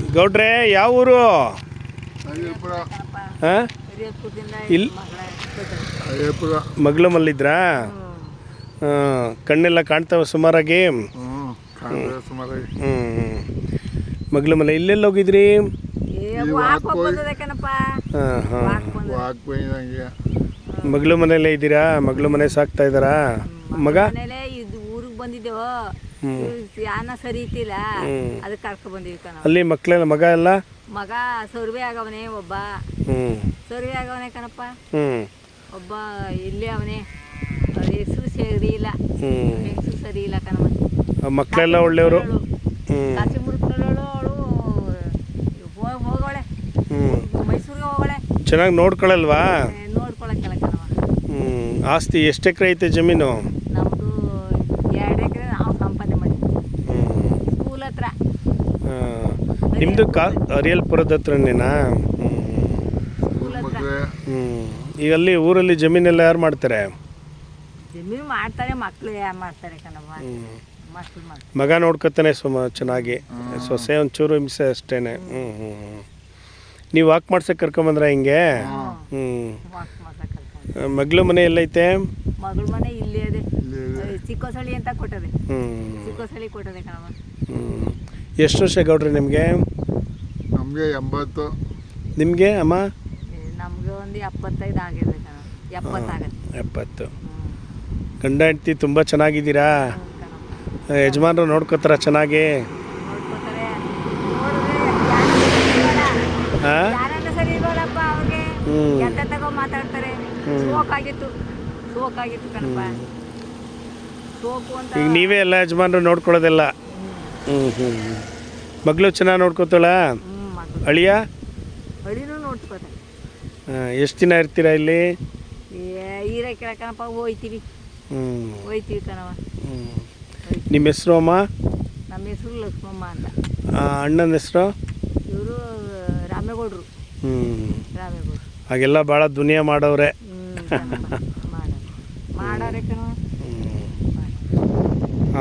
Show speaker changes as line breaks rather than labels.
ಗೌಡ್ರೆ ಯಾವ ಊರು? ಹಾಂ, ಇಲ್ಲಿ ಮಗ್ಳು ಮಲ್ಲಿದ್ರಾ? ಕಣ್ಣೆಲ್ಲ ಕಾಣ್ತಾವ ಸುಮಾರಾಗಿ? ಮಗ್ಳು ಮಲ್ಲ ಇಲ್ಲೆಲ್ಲ ಹೋಗಿದ್ರಿ? ಮಗ್ಳು ಮನೆಯಲ್ಲೇ ಇದ್ದೀರಾ? ಮಗ್ಳು ಮನೆ ಸಾಕ್ತಾ ಇದ್ದಾರಾ? ಮಗ
ಊರಿಗೆ ಬಂದಿದ್ದೇವ, ಯಾನ ಸರಿ ಇತ್ತಿಲ್ಲ, ಅದಕ್ಕೆ ಕರ್ಕೊ ಬಂದಿವಿ ಕಣ.
ಅಲ್ಲಿ ಮಕ್ಕಳೆಲ್ಲ ಮಗ ಎಲ್ಲ?
ಮಗ ಸರ್ವೆ ಆಗವನೇ, ಒಬ್ಬ ಸರ್ವೆ ಆಗವನೇ ಕಣಪ್ಪ, ಒಬ್ಬ ಇಲ್ಲೇ ಅವನೇ, ಹೆಸರು ಸರಿ ಇಲ್ಲ, ಹೆಸರು ಸರಿ ಇಲ್ಲ ಕಣಮ್ಮ.
ಮಕ್ಕಳೆಲ್ಲ ಒಳ್ಳೆಯವರು?
ಕಾಸಿ ಮುಡ್ಕೊಳ್ಳೋಳು, ಅವಳು ಹೋಗೋಳೆ ಮೈಸೂರಿಗೆ ಹೋಗೋಳೆ.
ಚೆನ್ನಾಗಿ ನೋಡ್ಕೊಳಲ್ವಾ?
ನೋಡ್ಕೊಳಕ್ಕಲ್ಲ ಕಣವ.
ಆಸ್ತಿ ಎಷ್ಟು ಎಕರೆ ಐತೆ ಜಮೀನು?
ನಮ್ಮದು 2 ಎಕರೆ ನಾವು ಸಂಪಾದನೆ ಮಾಡಿದ್ವಿ ಸ್ಕೂಲ್ ಹತ್ರ.
ನಿಮ್ಮದು ಅರಿಯಲ್ಪುರದ ಹತ್ರನೇನಾ?
ಸ್ಕೂಲ್ ಹತ್ರ.
ಈಗ ಅಲ್ಲಿ ಊರಲ್ಲಿ ಜಮೀನೆಲ್ಲ ಯಾರು ಮಾಡ್ತಾರೆ?
ಜಮೀನು ಮಾಡ್ತಾರೆ, ಮಕ್ಕಳು ಯಾರು ಮಾಡ್ತಾರೆ ಕಣವ, ಮಕ್ಕಳು ಮಾಡ್ತಾರೆ.
ಮಗ ನೋಡ್ಕೊತಾನೆ ಚೆನ್ನಾಗಿ, ಸೊಸೆ ಒಂಚೂರು ಹಿಂಸೆ ಅಷ್ಟೇನೆ. ನೀವು ವಾಕ್ ಮಾಡ್ಸಕ್ಕೆ ಕರ್ಕೊಂಬಂದ್ರ ಹಿಂಗೆ?
ವಾಕ್ ಮಾಡ್ಸಕ್ಕೆ ಕರ್ಕೊಂಡು.
ಮಗ್ಳು ಮನೆ ಎಲ್ಲೈತೆ?
ಮಗಳ ಮನೆ ಇಲ್ಲೇ ಇದೆ, ಚಿಕ್ಕೋಸಳಿ ಅಂತ ಕೊಟ್ಟದೆ, ಚಿಕ್ಕೋಸಳಿ ಕೊಟ್ಟದೆ ಕಣವ.
ಎಷ್ಟು ವರ್ಷ ಗೌಡ್ರಿ ನಿಮಗೆ?
ನಮಗೆ 80.
ನಿಮಗೆ ಅಮ್ಮ?
ನಮಗೆ ಒಂದು 75 ಆಗಿದೆ ಕಣ, 70 ಆಗುತ್ತೆ.
70. ಗಂಡ ಹೆಂಡತಿ ತುಂಬ ಚೆನ್ನಾಗಿದ್ದೀರಾ? ಯಜಮಾನ್ರು ನೋಡ್ಕೋತಾರ ಚೆನ್ನಾಗಿ?
ನೋಡ್ಕೋತಾರೆ. ಯಾರನ್ನ ಸರಿ ಇರೋಲ್ಲಪ್ಪ ಅವ್ರಿಗೆ, ಎಂತ ತಗೋ ಮಾತಾಡ್ತಾರೆ. ಸೋಕಾಗಿತ್ತು ಕಣಪ್ಪ, ಸೋಕು ಅಂತ.
ಈಗ ನೀವೇ ಎಲ್ಲ ಯಜಮಾನ್ರು ನೋಡ್ಕೊಳ್ಳೋದೆಲ್ಲ? ಮಗಳು ಚೆನ್ನಾಗಿ ನೋಡ್ಕೋತಾಳ? ಅಳಿಯ?
ಅಳಿನೂ ನೋಡ್ಕೋತಾರೆ.
ಎಷ್ಟು ದಿನ ಇರ್ತೀರಾ ಇಲ್ಲಿ?
ಇರಕ್ಕಿಲ್ಲ ಕಣಪ್ಪ, ಹೋಯ್ತೀವಿ ಕಣವ.
ನಿಮ್ಮ ಹೆಸರು ಅಮ್ಮ?
ನಮ್ಮ ಹೆಸರು ಲಕ್ಷ್ಮಮ್ಮ ಅಂತ.
ಅಣ್ಣನ ಹೆಸರು?
ಇವರು ರಾಮೇಗೌಡರು. ರಾಮೇಗೌಡರು.
ಹಾಗೆಲ್ಲ ಭಾಳ ದುನಿಯಾ ಮಾಡವ್ರೆ.